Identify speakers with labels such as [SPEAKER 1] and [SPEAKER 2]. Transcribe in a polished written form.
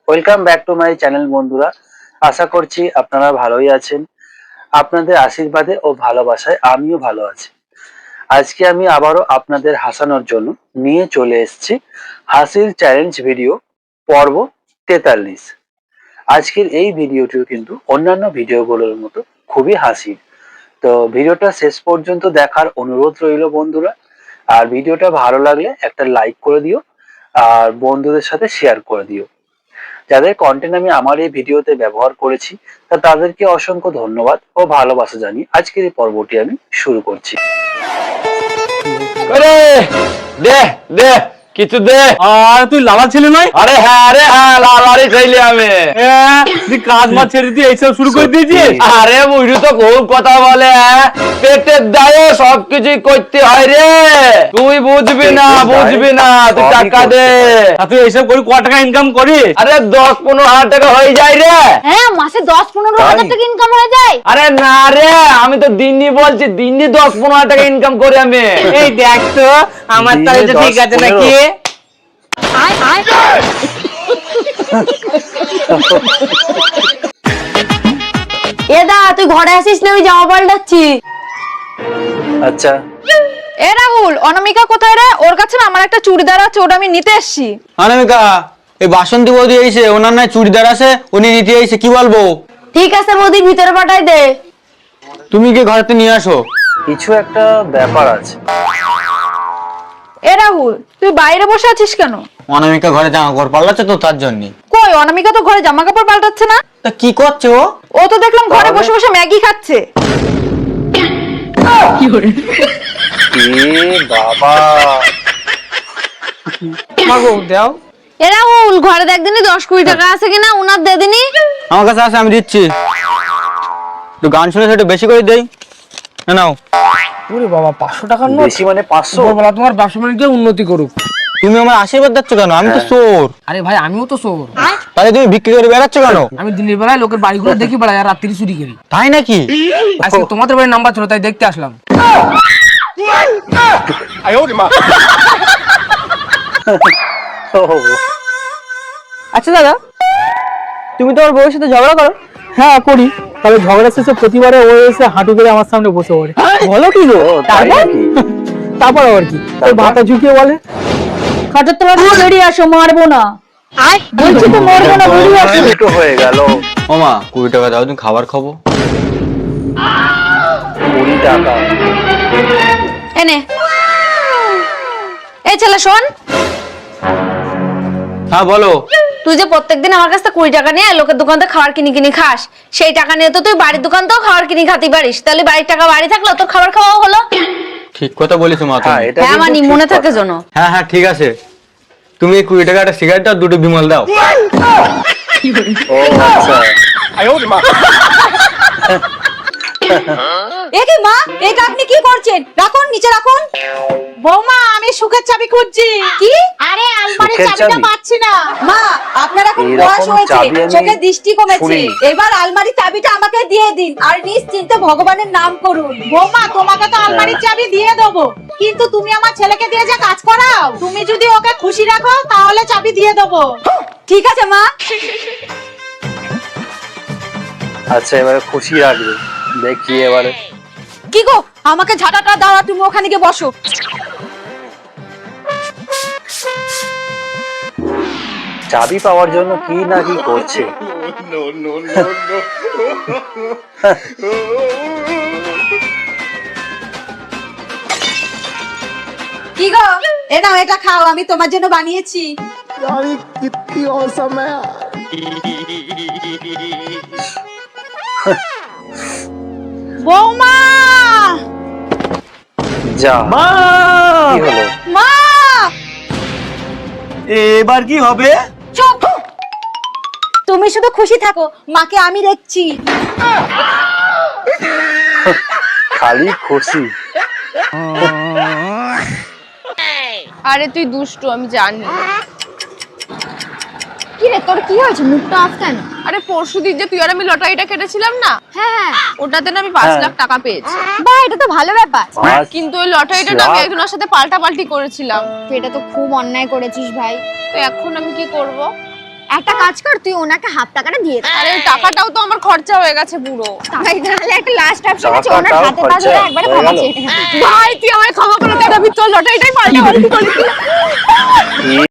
[SPEAKER 1] Welcome back to my channel বন্ধুরা। আশা করছি আপনারা ভালোই আছেন। আপনাদের আশীর্বাদে ও ভালোবাসায় আমিও ভালো আছি। আজকে আমি আবারও আপনাদের হাসানোর জন্য নিয়ে চলে এসেছি হাসির চ্যালেঞ্জ ভিডিও পর্ব 43। আজকের এই ভিডিওটিও কিন্তু অন্যান্য ভিডিওগুলোর মতো খুবই হাসির। তো ভিডিওটা শেষ পর্যন্ত দেখার অনুরোধ রইল বন্ধুরা। আর ভিডিওটা ভালো লাগলে একটা লাইক করে দিও আর বন্ধুদের সাথে শেয়ার করে দিও। যাদের কন্টেন্ট আমি আমার এই ভিডিওতে ব্যবহার করেছি তাদেরকে অসংখ্য ধন্যবাদ ও ভালোবাসা জানিয়ে আজকের এই পর্বটি আমি শুরু করছি।
[SPEAKER 2] দে দে কিছু দে।
[SPEAKER 3] আর তুই লালা ছেলে নয়?
[SPEAKER 2] আরে হ্যাঁ লালারই চাইলে আমি।
[SPEAKER 3] তুই কাজ মাছ ছেড়ে দিয়ে এইসব শুরু করে দিয়েছিস?
[SPEAKER 2] আরে বুঝু তো খুব কথা বলে, পেটের দায়ে সবকিছুই করতে হয় রে। তুই বুঝবি না তুই টাকা দে।
[SPEAKER 3] তুই এইসব করে ক টাকা ইনকাম করিস?
[SPEAKER 2] আরে 10-15 হাজার টাকা হয়ে যায় রে।
[SPEAKER 4] হ্যাঁ, মাসে 10-15 হাজার টাকা ইনকাম হয়ে যায়।
[SPEAKER 2] আরে না রে, আমি তো দিনই বলছি, দিনই 10-15 হাজার টাকা ইনকাম করি আমি।
[SPEAKER 3] এই দেখ তো আমার তাহলে তো ঠিক আছে নাকি?
[SPEAKER 4] এদা তুই ঘরে আসিস না, আমি জামা পাল্টাচ্ছি।
[SPEAKER 1] আচ্ছা
[SPEAKER 5] এ রাহুল, অনামিকা কোথায় রে? ওর কাছে না আমার একটা চুড়িদার আছে, ওটা আমি নিতে এসেছি।
[SPEAKER 6] অনামিকা, এই বাসন্তী বৌদি এসে ওনার নাই চুড়িদার আছে, উনি নিতে এসে, কি বলবো?
[SPEAKER 4] ঠিক আছে বৌদি, ভিতরে পাঠাই দে।
[SPEAKER 6] তুমি কি ঘরেতে নিয়ে আসো?
[SPEAKER 1] কিছু একটা ব্যাপার আছে।
[SPEAKER 5] এ রাহুল, তুই বাইরে বসে আছিস কেন?
[SPEAKER 6] অনামিকা ঘরে জামা কাপড় পাল্টাচ্ছে তো, তার জন্য।
[SPEAKER 5] কই, অনামিকা তো ঘরে জামা কাপড় পাল্টাচ্ছে না।
[SPEAKER 6] তা কি করছে ও?
[SPEAKER 5] ও তো দেখলাম ঘরে বসে বসে ম্যাগি খাচ্ছে।
[SPEAKER 1] বাবা
[SPEAKER 6] মাগো দাও।
[SPEAKER 4] এ রাহুল, ঘরে দেখ দিনি 10-20 টাকা আছে কিনা, উনার দে দিনি।
[SPEAKER 6] আমার কাছে আছে, আমি দিচ্ছি। একটু গান শুনে একটু বেশি করে দেই। নাও।
[SPEAKER 3] ওরে বাবা, 500 টাকার নোট?
[SPEAKER 1] বেশি মানে 500?
[SPEAKER 3] বলা তোমার ব্যবসা বাণিজ্য উন্নতি করুক।
[SPEAKER 6] তুমি আমার আশীর্বাদ দিচ্ছ কেন? আমি তো চোর।
[SPEAKER 3] আরে ভাই, আমিও তো চোর।
[SPEAKER 6] তাহলে তুমি বিক্রি করে বেড়াচ্ছ কেন?
[SPEAKER 3] আমি দিনের বেলায় লোকের বাড়িগুলো দেখি বেড়াই আর রাত্রি চুরি করি।
[SPEAKER 6] তাই নাকি?
[SPEAKER 3] আজকে তোমাদের বাড়ির নাম্বার ছিল, তাই দেখতে আসলাম।
[SPEAKER 7] আচ্ছা দাদা, তুমি তোমার বউয়ের সাথে ঝগড়া করো? হ্যাঁ করি। তাহলে ঝগড়া শেষে প্রতিবারে ও এসে হাঁটু করে আমার সামনে বসে পড়ে। বলো কি গো? তারপর আবার কি, ওই মাথা ঝুঁকিয়ে বলে,
[SPEAKER 4] খাটের তলা থেকে বেরিয়ে আসো, মারবো না। বলছি তো মারবো না, বেরিয়ে আসো।
[SPEAKER 1] দুটো হয়ে গেল।
[SPEAKER 6] ওমা 20 টাকা দাও, তুমি খাবার খাবো।
[SPEAKER 1] 20 টাকা?
[SPEAKER 5] এনে, এই ছেলে শোন,
[SPEAKER 6] হ্যাঁ বলো।
[SPEAKER 4] তুই যে প্রত্যেকদিন আমার কাছে 20 টাকা নিয়ে লোকের দোকান থেকে খাবার কিনে খাস, সেই টাকা নিয়ে তো তুই বাড়ির দোকান থেকেও খাবার কিনে খাতে পারিস। তাহলে বাড়ির টাকা বাড়ি থাকলো, তোর খাবার খাওয়া হলো।
[SPEAKER 6] ঠিক কথা বলেছো মা তুমি।
[SPEAKER 4] হ্যাঁ মানি, মনে থাকে যেন।
[SPEAKER 6] হ্যাঁ ঠিক আছে। তুমি 20 টাকা একটা সিগারেট দাও, 2টো বিমল দাও।
[SPEAKER 1] ও আচ্ছা।
[SPEAKER 5] এ কি মা, এটা আপনি কি করছেন? রাখুন, নিচে রাখুন। বৌমা, আমি সুখের চাবি খুঁজছি। কি? আরে আলমারির
[SPEAKER 1] সুখের
[SPEAKER 5] চাবিটা
[SPEAKER 1] চাবি?
[SPEAKER 5] পাচ্ছি না। মা, আপনার এখন
[SPEAKER 1] এরকম
[SPEAKER 5] বয়স হয়েছে,
[SPEAKER 1] চাবি আমি
[SPEAKER 5] চোখের দৃষ্টি কমেছে।
[SPEAKER 1] শুনিনি।
[SPEAKER 5] এবার আলমারির চাবিটা আমাকে দিয়ে দিন আর নিশ্চিন্তে ভগবানের নাম করুন। বৌমা, তোমাকে তো আলমারির চাবি দিয়ে দেবো, কিন্তু তুমি আমার ছেলেকে দিয়ে যে কাজ করাও, তুমি যদি ওকে খুশি রাখো তাহলে চাবি দিয়ে দেবো। ঠিক আছে মা।
[SPEAKER 1] আচ্ছা, এবারে খুশি রাখবে, দেখি এবারে।
[SPEAKER 5] কি গো, আমাকে ঝাঁটাটা দাও আর তুমি ওখানে গিয়ে বসো।
[SPEAKER 1] চাবি পাওয়ার জন্য কি না কি করছে।
[SPEAKER 5] কি গো, এ নাও, এটা খাও, আমি তোমার জন্য বানিয়েছি। বৌমা,
[SPEAKER 1] যা কি হলো?
[SPEAKER 5] মা,
[SPEAKER 6] এবার কি হবে?
[SPEAKER 5] চুপ। তুমি শুধু খুশি থাকো, মাকে আমি দেখছি।
[SPEAKER 1] খালি খুশি?
[SPEAKER 8] আরে তুই দুষ্টু, আমি জানি।
[SPEAKER 4] কি রে, তোর কি হয়েছে? মুখটা অফ কেন?
[SPEAKER 8] আরে পরশুদিন যে তুই আর আমি লটারিটা কেটেছিলাম না,
[SPEAKER 4] হ্যাঁ,
[SPEAKER 8] ওটাতে না আমি 5 লাখ টাকা পেয়েছি।
[SPEAKER 4] বাহ, এটা তো ভালো ব্যাপার।
[SPEAKER 8] কিন্তু ওই লটারিটা না আমি একজনের সাথে পাল্টাপাল্টি করেছিলাম।
[SPEAKER 4] এটা তো খুব অন্যায় করেছিস ভাই।
[SPEAKER 8] তো এখন আমি কি করব?
[SPEAKER 9] একটা কাজ কর, তুই ওনাকে হাফ টাকাটা দিয়ে দে।
[SPEAKER 8] আরে টাকাটাও তো আমার খরচা হয়ে গেছে পুরো।
[SPEAKER 9] তাই তাহলে একটা লাস্ট অপশন আছে, ওনার
[SPEAKER 1] টাকাটাও
[SPEAKER 9] হাতে পা
[SPEAKER 1] খরচা
[SPEAKER 9] ধরে একবারে
[SPEAKER 1] হয়ে
[SPEAKER 9] ক্ষমা
[SPEAKER 1] গেল।
[SPEAKER 9] চেয়ে নে।
[SPEAKER 8] ভাই তুই আমায় ক্ষমা করে দে, আমি চল লটারিটাই পাল্টা